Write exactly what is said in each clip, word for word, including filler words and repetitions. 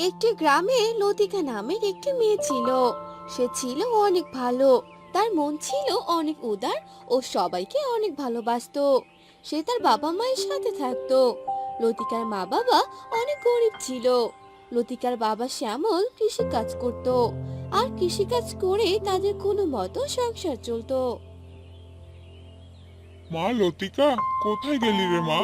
একটি গ্রামে লতিকা নামের একটি মেয়ে ছিল। সে ছিল অনেক ভালো। তার মন ছিল অনেক উদার ও সবাইকে অনেক ভালোবাসতো। সে তার বাবা মায়ের সাথে থাকতো। লতিকার মা বাবা অনেক গরিব ছিল। লতিকার বাবা শ্যামল কৃষি কাজ করত, আর কৃষি কাজ করে তাদের কোনো মতো সংসার চলতো। মা লতিকা, কোথায় গেলি রে মা?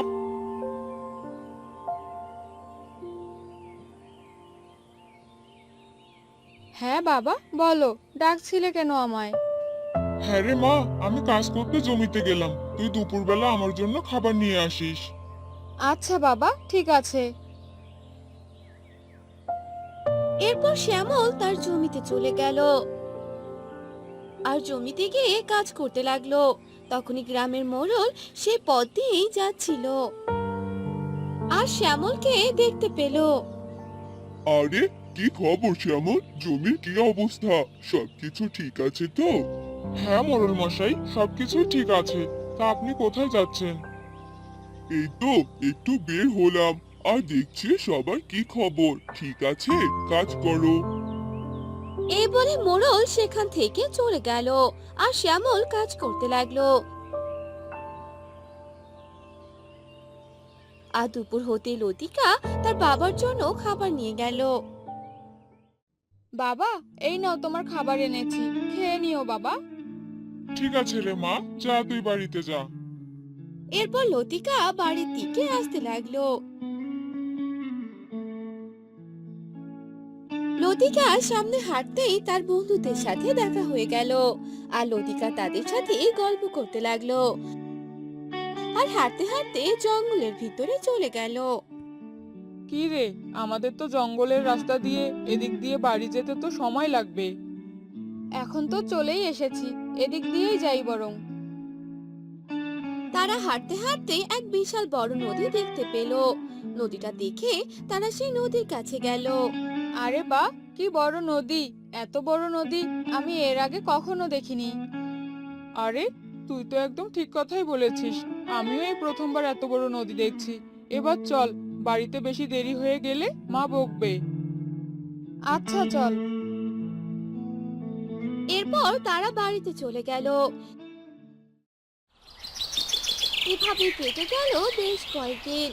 হ্যাঁ বাবা, বলো, ডাকছিলে কেন আমায়? হ্যাঁ রে মা, আমি কাজ করতে জমিতে গেলাম, তুই দুপুরবেলা আমার জন্য খাবার নিয়ে আসিস। আচ্ছা বাবা, ঠিক আছে। এরপর শ্যামল তার জমিতে চলে গেল আর জমিতে গিয়ে কাজ করতে লাগলো। তখনই গ্রামের মোড়ল সে পথ দিয়েই যাচ্ছিল আর শ্যামলকে দেখতে পেল। আরে, কি খবর শ্যামল? জমির কি অবস্থা? সবকিছু ঠিক আছে তো? হ্যাঁ মোড়ল মশাই, সবকিছু ঠিক আছে। তা আপনি কোথায় যাচ্ছেন? এই তো একটু বের হলাম, আর দেখছি সবার কি খবর। ঠিক আছে, কাজ করো। এই বলে মোড়ল সেখান থেকে চলে গেল আর শ্যামল কাজ করতে লাগলো। আর দুপুর হতে লতিকা তার বাবার জন্য খাবার নিয়ে গেল। বাবা, এই নাও তোমার খাবার এনেছি, খেয়ে নিও বাবা। ঠিক আছে রে মা, যা তুই বাড়িতে যা। এরপর লতিকা বাড়ির দিকে আসতে লাগলো। লতিকা সামনে হাঁটতেই তার বন্ধুদের সাথে দেখা হয়ে গেল। আর লতিকা তাদের সাথে গল্প করতে লাগলো আর হাঁটতে হাঁটতে জঙ্গলের ভিতরে চলে গেল। কি রে, আমাদের তো জঙ্গলের রাস্তা দিয়ে এদিক দিয়ে বাড়ি যেতে তো সময় লাগবে। এখন তো চলেই এসেছি, এদিক দিয়েই যাই বরং। তারা হাঁটতে হাঁটতে এক বিশাল বড় নদী দেখতে পেল। নদীটা দেখে তারা সেই নদীর কাছে গেল। আরে বাহ, কি বড় নদী! এত বড় নদী আমি এর আগে কখনো দেখিনি। আরে, তুই তো একদম ঠিক কথাই বলেছিস। আমিও এই প্রথমবার এত বড় নদী দেখছি। এবার চল, বাড়িতে বেশি দেরি হয়ে গেলে মা বকবে। আচ্ছা চল। এরপর তারা বাড়িতে চলে গেল। এভাবে কেটে গেল বেশ কয়েকদিন।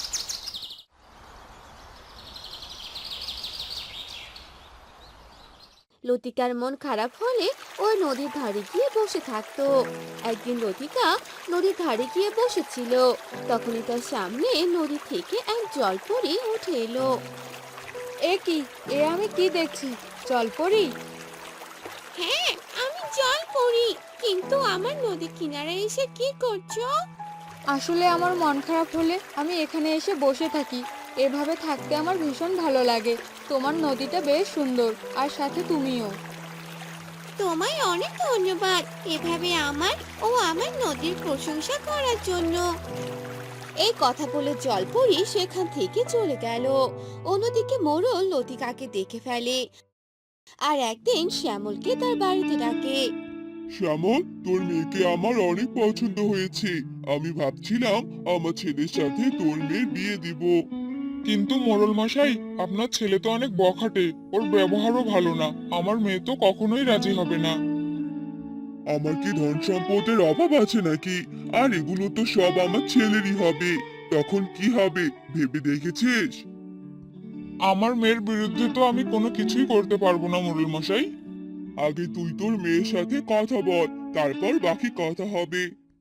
লতিকার মন খারাপ হলে ওই নদীর ধারে গিয়ে বসে থাকতো। একদিন লতিকা নদীর ধারে গিয়ে বসেছিল। তখনই তার সামনে নদী থেকে এক জলপরি উঠে এলো। এ কি, এ আমি কি দেখছি? জলপরি? হ্যাঁ, আমি জলপরি। কিন্তু আমার নদী কিনারে এসে কি করছো? আসলে আমার মন খারাপ হলে আমি এখানে এসে বসে থাকি। এভাবে থাকতে আমার ভীষণ ভালো লাগে। তোমার নদীটা বেশ সুন্দর, আর সাথে তুমিও। তোমায় অনেক ধন্যবাদ এভাবে আমার ও আমার নদীর প্রশংসা করার জন্য। এই কথা বলে জলপরি সেখান থেকে চলে গেল। অন্যদিকে মোড়ল লতিকাকে দেখে ফেলে আর একদিন শ্যামলকে তার বাড়িতে ডাকে। শ্যামল, তোর মেয়েকে আমার অনেক পছন্দ হয়েছে। আমি ভাবছিলাম আমার ছেলের সাথে তোর মেয়ের বিয়ে দিব। কিন্তু মোড়ল মশাই, আপনার ছেলে তো অনেক বখাটে, ওর ব্যবহারও ভালো না। আমার মেয়ে তো কখনোই রাজি হবে না। আমার কি ধন সম্পদের অভাব আছে নাকি? আর এগুলো তো সব আমার ছেলেরই হবে। তখন কি হবে ভেবে দেখেছিস? আমার মেয়ের বিরুদ্ধে তো আমি কোনো কিছুই করতে পারবো না মোড়ল মশাই। আগে তুই তোর মেয়ের সাথে কথা বল, তারপর বাকি কথা হবে।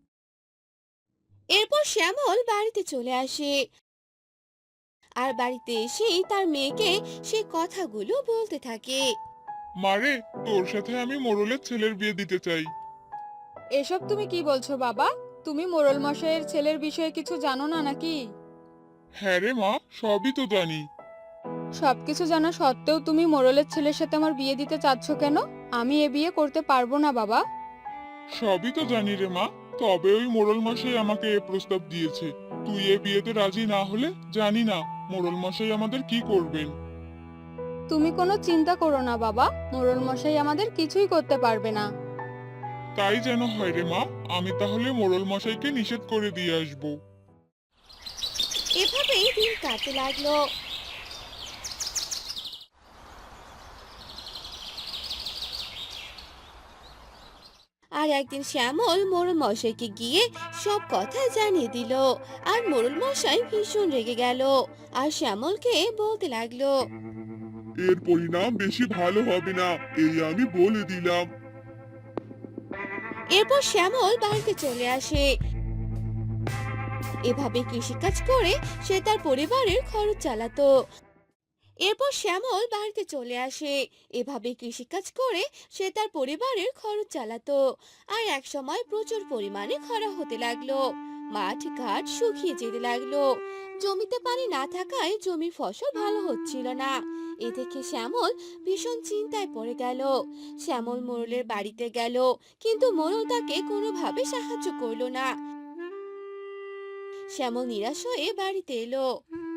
এরপর শ্যামল বাড়িতে চলে আসে আর বাড়িতে এসেই তার মেয়েকে সে কথাগুলো বলতে থাকে। মারে, তোর সাথে আমি মোড়লের ছেলের বিয়ে দিতে চাই। এসব তুমি কি বলছো বাবা? তুমি মোড়ল মশাইয়ের ছেলের বিষয়ে কিছু জানো না নাকি? হ্যাঁ রে মা, সবই তো জানি। সবকিছু জানা সত্ত্বেও তুমি মোড়লের ছেলের সাথে আমার বিয়ে দিতে চাচ্ছ কেন? আমি এ বিয়ে করতে পারবো না বাবা। সবই তো জানি রে মা, তবে ওই মোড়ল মশাই আমাকে এ প্রস্তাব দিয়েছে। তুই এ বিয়েতে রাজি না হলে জানি না মোড়ল মশাই আমাদের কি করবেন। তুমি কোনো চিন্তা করো না বাবা, মোড়ল মশাই আমাদের কিছুই করতে পারবে না। তাই যেন হয় রে মা, আমি তাহলে মোড়ল মশাইকে নিষেধ করে দিয়ে আসবো। এভাবেই দিন কাটতে লাগলো। আর একদিন শ্যামল মোড়ল মশাইকে গিয়ে সব কথা জানিয়ে দিল। আর মোড়ল মশাই ভীষণ রেগে গেল আর শ্যামলকে বলতে লাগলো, এর পরিণাম বেশি ভালো হবে না, এই আমি বলে দিলাম। এরপর শ্যামল বাড়িতে চলে আসে। এভাবে কৃষিকাজ করে সে তার পরিবারের খরচ চালাতো। এরপর শ্যামল বাড়িতে চলে আসে। এভাবে কৃষিকাজ করে সে তার পরিবারের খরচ চালাতো। আর এক সময় প্রচুর পরিমাণে খরা হতে লাগলো। মাঠ ঘাট শুকিয়ে যেতে লাগলো। জমিতে পানি না থাকায় জমির ফসল ভালো হচ্ছিল না। এ দেখে শ্যামল ভীষণ চিন্তায় পড়ে গেল। শ্যামল মোড়লের বাড়িতে গেল, কিন্তু মোড়ল তাকে কোনোভাবে সাহায্য করলো না। শ্যামল নিরাশ হয়ে বাড়িতে এলো।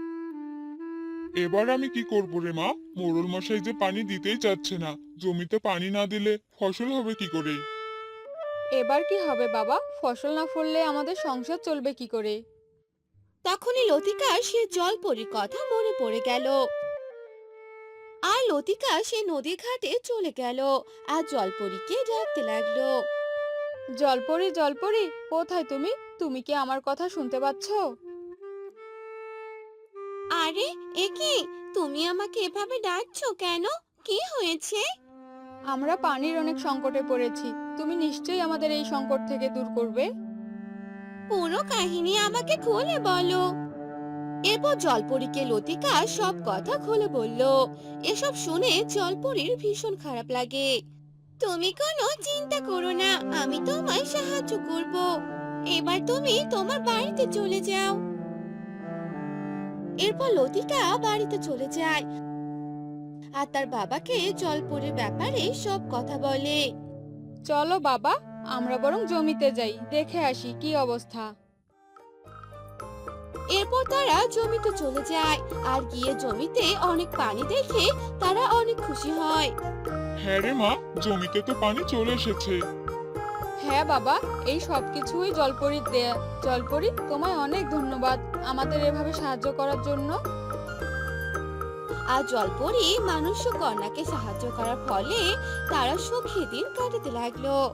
এবার আমি কি করব রে মা? মোড়ল মশাই যে পানি দিতেই চাচ্ছে না, জমিতে পানি না দিলে ফসল হবে কি করে? এবার কি হবে বাবা? ফসল না ফললে আমাদের সংসার চলবে কি করে? তখনই লতিকা সে জলপরীর কথা মনে পড়ে গেল। আর লতিকা সে নদীর ঘাটে চলে গেল আর জলপরীকে ডাকতে লাগলো। জলপরি, জলপরি, কোথায় তুমি? তুমি কি আমার কথা শুনতে পাচ্ছ? আরে এ কি, তুমি আমাকে এভাবে ডাকছো কেন? কি হয়েছে? আমরা পানির অনেক সংকটে পড়েছি। তুমি নিশ্চয়ই আমাদের এই সংকট থেকে দূর করবে। পুরো কাহিনী আমাকে খুলে বলো। এরপর জলপরীকে লতিকা সব কথা খুলে বলল। এসব শুনে জলপরীর ভীষণ খারাপ লাগে। তুমি কোনো চিন্তা করো না, আমি তোমায় সাহায্য করব। এবার তুমি তোমার বাড়িতে চলে যাও। এরপর লতিকা বাড়িতে চলে যায় আর তার বাবাকে জলপরীর ব্যাপারে সব কথা বলে। চলো বাবা, আমরা বরং জমিতে যাই, দেখে আসি কি অবস্থা। এরপর তারা জমিতে চলে যায় আর গিয়ে জমিতে অনেক পানি দেখে তারা অনেক খুশি হয়। হ্যাঁ রে মা, জমিতে তো পানি চলে এসেছে। হ্যাঁ বাবা, এই সব কিছুই জলপরির দেয়া। জলপরি, তোমায় অনেক ধন্যবাদ আমাদের এভাবে সাহায্য করার জন্য। আর জলপরী মানুষ ও কন্যাকে সাহায্য করার ফলে তারা সুখী দিন কাটাতে লাগলো।